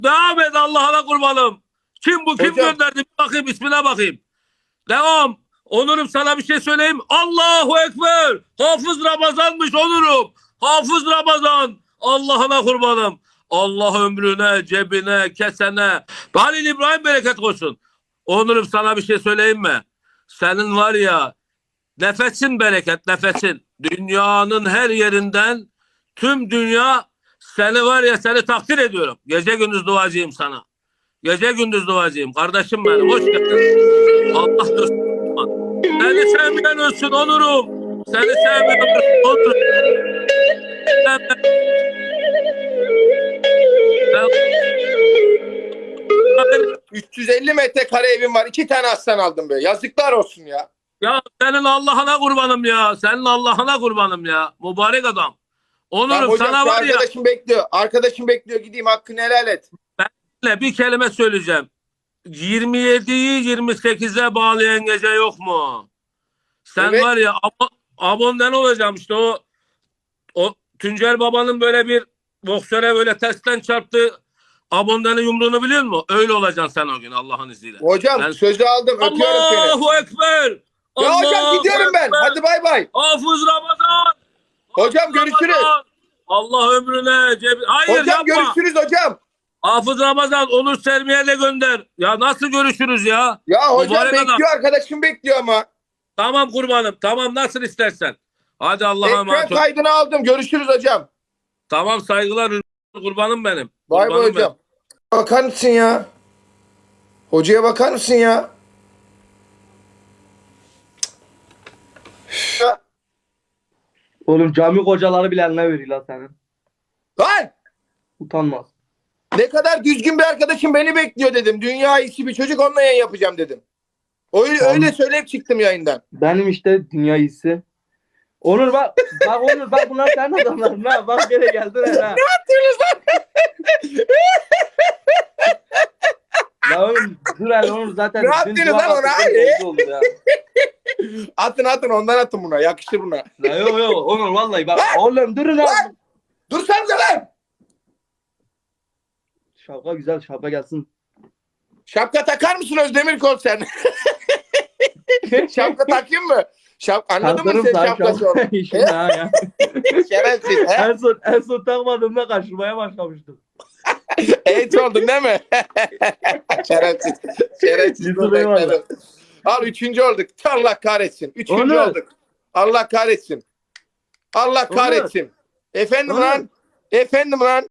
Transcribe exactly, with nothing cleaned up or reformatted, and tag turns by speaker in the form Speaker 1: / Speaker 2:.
Speaker 1: Devam et Allah'ına kurbanım. Kim bu? Kim
Speaker 2: Hocam.
Speaker 1: gönderdi? Bir bakayım, ismine bakayım. Devam. Onurum, sana bir şey söyleyeyim. Allahu Ekber. Hafız Ramazan'mış Onurum. Hafız Ramazan. Allah'ına kurbanım. Allah ömrüne, cebine, kesene. Halil İbrahim bereket olsun. Onurum, sana bir şey söyleyeyim mi? Senin var ya, nefesin bereket, nefesin. Dünyanın her yerinden, tüm dünya seni var ya, seni takdir ediyorum. Gece gündüz duacıyım sana. Gece gündüz duacıyım. Kardeşim benim, hoş geldin. Allah dostum. Seni sevmeyen ölsün Onurum. Seni sevmeyen ölsün Onurum.
Speaker 2: üç yüz elli metrekare evim var. İki tane aslan aldım be. Yazıklar olsun ya.
Speaker 1: Ya senin Allah'ına kurbanım ya. Senin Allah'ına kurbanım ya. Mübarek adam.
Speaker 2: Tamam,
Speaker 1: Onurum,
Speaker 2: hocam,
Speaker 1: sana var ya.
Speaker 2: arkadaşım bekliyor. Arkadaşım bekliyor. Gideyim, hakkını helal et.
Speaker 1: Bir kelime söyleyeceğim. yirmi yediyi yirmi sekize bağlayan gece yok mu? Sen
Speaker 2: Evet.
Speaker 1: var ya, ab abondan olacağım işte, o o Tuncer Baba'nın böyle bir boksöre böyle tersten çarptı. Abondanın yumruğunu biliyor musun? Öyle olacaksın sen o gün Allah'ın izniyle.
Speaker 2: Hocam
Speaker 1: Ben...
Speaker 2: sözü aldım. Öpüyorum seni.
Speaker 1: Allahu Ekber.
Speaker 2: Ya
Speaker 1: Allahu
Speaker 2: hocam gidiyorum ben.
Speaker 1: Ekber.
Speaker 2: Hadi bay bay.
Speaker 1: Hafız Ramazan.
Speaker 2: Hocam
Speaker 1: Hafız
Speaker 2: görüşürüz.
Speaker 1: Ramazan. Allah ömrüne cebi... Hayır,
Speaker 2: Hocam
Speaker 1: yapma.
Speaker 2: görüşürüz hocam.
Speaker 1: Hafız Ramazan, Onur Sermiye de gönder. Ya nasıl görüşürüz ya?
Speaker 2: Ya hocam
Speaker 1: Mübarek
Speaker 2: bekliyor,
Speaker 1: adam.
Speaker 2: arkadaşım bekliyor ama.
Speaker 1: Tamam kurbanım. Tamam, nasıl istersen. Hadi Allah'a
Speaker 2: Ekran
Speaker 1: emanet ol.
Speaker 2: kaydını aldım. Görüşürüz hocam.
Speaker 1: Tamam, saygılar kurbanım benim.
Speaker 2: Bay bay
Speaker 1: Kurbanım
Speaker 2: hocam. Bakar mısın ya? Hocaya bakar mısın ya? Ya.
Speaker 3: Oğlum cami kocaları bile eline veriyor lan senin.
Speaker 2: Lan!
Speaker 3: Utanmaz.
Speaker 2: Ne kadar düzgün bir arkadaşım beni bekliyor dedim. Dünya iyisi bir çocuk, onunla yayın yapacağım dedim. Öyle,
Speaker 3: Tamam.
Speaker 2: öyle söyleyip çıktım yayından.
Speaker 3: Benim işte dünya iyisi. Onur bak, bak Onur bak, bunlar senin adamların ha. Bak gene geldin ha.
Speaker 2: Ne yapıyorsunuz lan?
Speaker 3: Ya oğlum dur hele Onur, zaten
Speaker 2: Ne
Speaker 3: dün
Speaker 2: yaptınız
Speaker 3: dua
Speaker 2: lan ona?
Speaker 3: attık,
Speaker 2: Ay.
Speaker 3: oldu ya.
Speaker 2: Atın atın, ondan atın buna. Yakışır buna.
Speaker 3: Ya yok yok Onur vallahi bak. Oğlum durun lan.
Speaker 2: Dursanıza lan!
Speaker 3: Şapka güzel, şapka gelsin.
Speaker 2: Şapka takar mısın Özdemir Kol sen? Şapka takayım mı? Şap Anladın mı
Speaker 3: Taktırım
Speaker 2: sen
Speaker 3: sana
Speaker 2: şapkası
Speaker 3: şapka
Speaker 2: onu?
Speaker 3: işini ha ya.
Speaker 2: Şerefsiz. He?
Speaker 3: En son, en son takmadığımda kaçırmaya başlamıştım.
Speaker 2: Eğit oldun değil mi? Şerefsiz. Şerefsiz.
Speaker 3: Yüzü eyvallah.
Speaker 2: Al, üçüncü olduk. Allah kahretsin. Üçüncü
Speaker 3: Onur.
Speaker 2: olduk. Allah kahretsin. Allah kahretsin. Efendim
Speaker 3: Onur.
Speaker 2: lan. Efendim lan.